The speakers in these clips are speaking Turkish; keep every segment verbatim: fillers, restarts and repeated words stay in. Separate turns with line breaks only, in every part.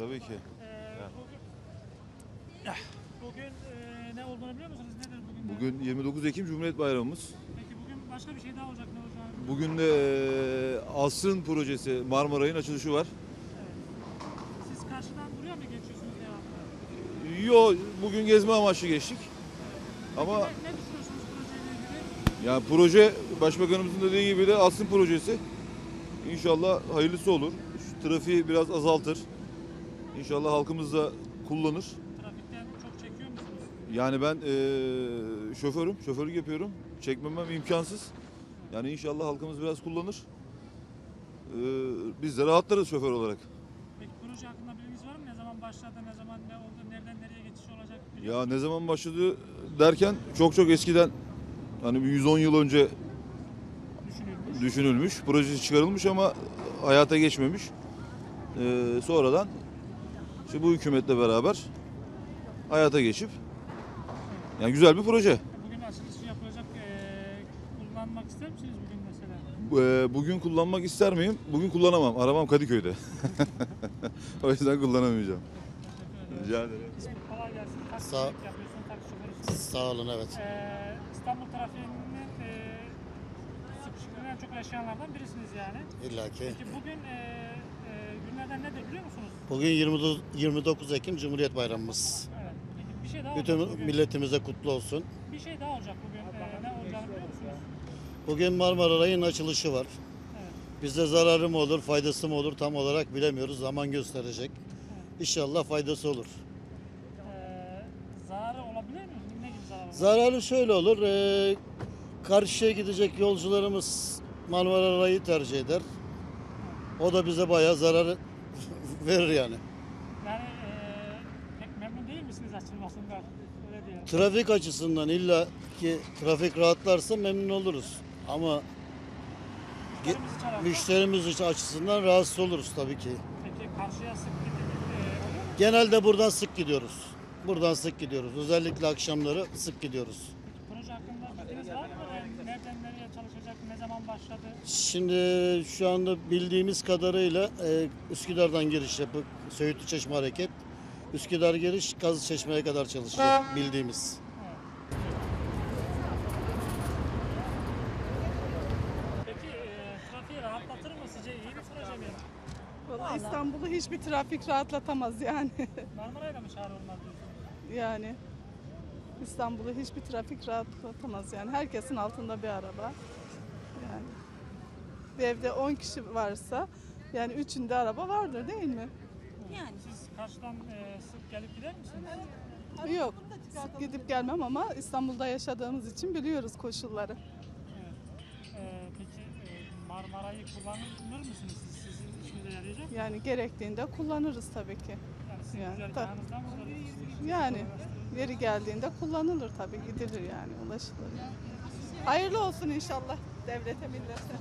Tabii ki.
Ee, bugün bugün e, ne olduğunu biliyor musunuz? Nedir bugün?
Bugün yirmi dokuz Ekim Cumhuriyet Bayramımız.
Peki bugün başka bir şey daha olacak, ne olacak?
Bugün de e, Asrın projesi Marmaray'ın açılışı var.
Evet. Siz karşıdan buraya mı geçiyorsunuz devamlı?
Yo, bugün gezme amaçlı geçtik. Ama
Ne, ne düşünüyorsunuz projeyle ilgili?
yani proje Başbakanımızın dediği gibi de Asrın projesi. İnşallah hayırlısı olur. Şu trafiği biraz azaltır. İnşallah halkımız da kullanır.
Trafikten çok çekiyor musunuz?
Yani ben e, şoförüm, şoförlük yapıyorum. Çekmemem imkansız. Yani inşallah halkımız biraz kullanır. E, biz de rahatlarız şoför olarak.
Peki proje hakkında bilginiz var mı? Ne zaman başladı, ne zaman ne oldu, nereden nereye geçiş olacak? biliyor
Ya ne zaman başladı derken çok çok eskiden, hani bir yüz on yıl önce
Düşünülmüş.
düşünülmüş, projesi çıkarılmış ama hayata geçmemiş. E, sonradan işte bu hükümetle beraber hayata geçip, yani güzel bir proje.
Bugün açılışı yapılacak. Ee, kullanmak ister misiniz bugün mesela?
E, bugün kullanmak ister miyim? Bugün kullanamam. Arabam Kadıköy'de. O yüzden kullanamayacağım.
Teşekkür ederim.
Rica ederim.
İsmim kolay gelsin. Taksi
Sağ-
yapıyorsun, taksi şoförüsün.
Sağ olun, evet.
Ee, İstanbul trafiğinin e, sıkışıklığını en çok yaşayanlardan birisiniz yani.
İlla ki.
Peki bugün e, e, günlerden nedir biliyor musunuz?
Bugün yirmi dokuz Ekim Cumhuriyet Bayramımız.
Evet. Peki bir şey daha olacak
Bütün
bugün.
milletimize kutlu olsun.
Bir şey daha olacak bugün. Ee, ne olacağını biliyor musunuz?
Bugün Marmara Rayı'nın açılışı var.
Evet.
Bize zararı mı olur, faydası mı olur tam olarak bilemiyoruz. Zaman gösterecek. İnşallah faydası olur.
Ee, zararı olabilir mi? Ne gibi zararı olur?
Zararı şöyle olur. eee, karşıya gidecek yolcularımız Marmara Rayı'yı tercih eder. O da bize bayağı zarar verir yani.
Yani e, pek memnun değil misiniz açılmasından? Öyle diyelim.
Trafik açısından illa ki trafik rahatlarsa memnun oluruz. Ama ge-
Müşterimizi çalarsa-
müşterimiz açısından rahatsız oluruz tabii ki.
Peki karşıya sık gidip e, oluyor mu?
Genelde buradan sık gidiyoruz. Buradan sık gidiyoruz. Özellikle akşamları sık gidiyoruz.
Proje hakkında bilginiz var mı? E, nereden nereye çalışacak? Ne zaman başladı?
Şimdi şu anda bildiğimiz kadarıyla e, Üsküdar'dan giriş yapıp Söğütlü Çeşme hareket. Üsküdar giriş Kazlıçeşme'ye kadar çalışacak bildiğimiz.
Peki e, trafiği rahatlatır mı sizce? İyi bir proje mi?
Vallahi İstanbul'u hiçbir trafik rahatlatamaz yani.
Marmaray'la mı çare olmaz diyorsunuz?
yani İstanbul'u hiçbir trafik rahatlatamaz yani. Herkesin altında bir araba. Yani bir evde on kişi varsa yani üçünde araba vardır değil mi?
Yani.
Siz karşıdan e, sık gelip gider misiniz?
Yok. Sık gidip gelmem ama İstanbul'da yaşadığımız için biliyoruz koşulları.
Evet. E, peki e, Marmaray'ı kullanır mısınız siz? Sizin işinize yarayacak mı?
Yani gerektiğinde kullanırız tabii ki.
Yani sizin
Yani,
güzergahınızdan mı kullanırsınız?
Yani yeri geldiğinde kullanılır tabii, gidilir yani, ulaşılır. Hayırlı olsun inşallah devlete, millete.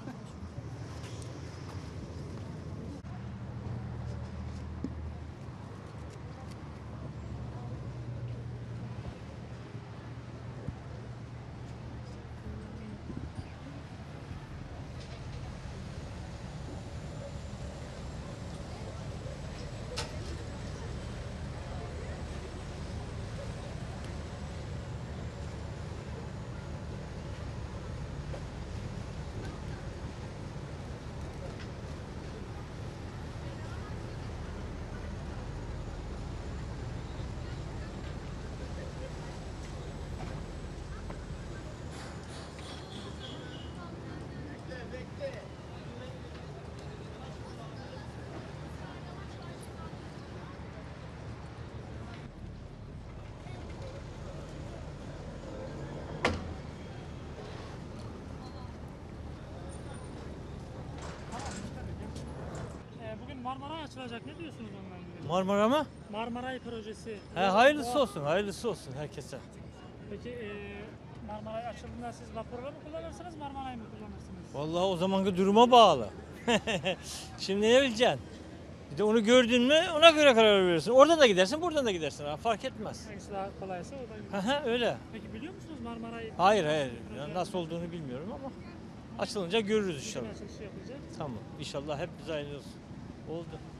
E, bugün Marmaray açılacak. Ne diyorsunuz onunla ilgili?
Marmara mı?
Marmaray projesi.
He, hayırlısı olsun, hayırlısı olsun herkese.
Peki e, Marmaray açıldığında siz vapurla mı kullanırsınız, Marmaray mı kullanırsınız?
Vallahi o zamanki duruma bağlı. Şimdi ne bileceksin? Bir de onu gördün mü ona göre karar verirsin. Oradan da gidersin, buradan da gidersin. Ha, fark etmez.
Hangisi daha kolaysa o da.
Hı hı, öyle.
Peki biliyor musunuz Marmaray?
Hayır hayır. Ya nasıl olduğunu bilmiyorum ama açılınca görürüz inşallah.
Açılışı yapılacak.
Tamam. İnşallah hep bize hayırlı olsun. Oldu.